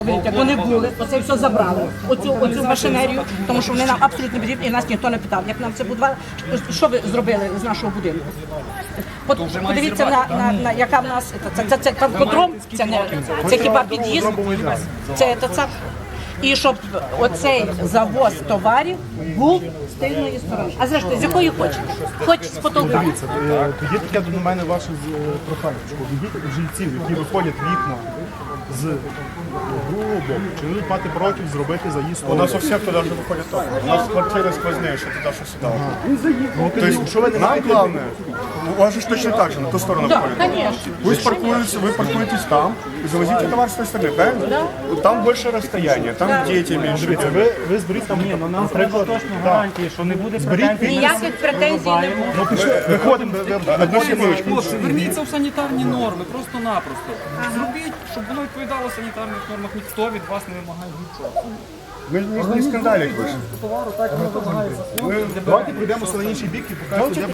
Як вони були, оце все забрали, оцю машинерію, тому що вони нам абсолютно не потрібні, і нас ніхто не питав, як нам це будували, що ви зробили з нашого будинку. Подивіться, яка в нас, це танкодром, це хіба під'їзд, це. І щоб оцей завоз товарів був з тильної сторони. А зрештою, з якої хочете? Хоч з потолка. Дивіться, тоді таке до мене ваше прохання, що відійдіть жильців, які виходять вікна з другого боку, чи вони мати проти зробити заїзд. У нас у всех туда же выходит ток. У нас квартиры сквозные, что туда, что сюда. То есть, що ви не Нам маєте... главное, у вас же точно так же, на ту сторону Так, выходит. звісно. Вы паркуетесь там и завозите товар с той стороны, правильно? Там больше расстояние, там дети меньше. Дивіться, ви зберіть там, наприклад, Точно гарантії, що не буде претензій. Ніяких претензій не буде. виходимо, Одну секундочку. Хлопці, верніться в санітарні норми, просто-напросто. Зробіть, щоб воно відповідало санітарних нормах. Ніхто від вас не вимагає нічого. Мы не скандалить больше. Товару так не вимагається. давайте прийдемо на інший бік і покажемо, де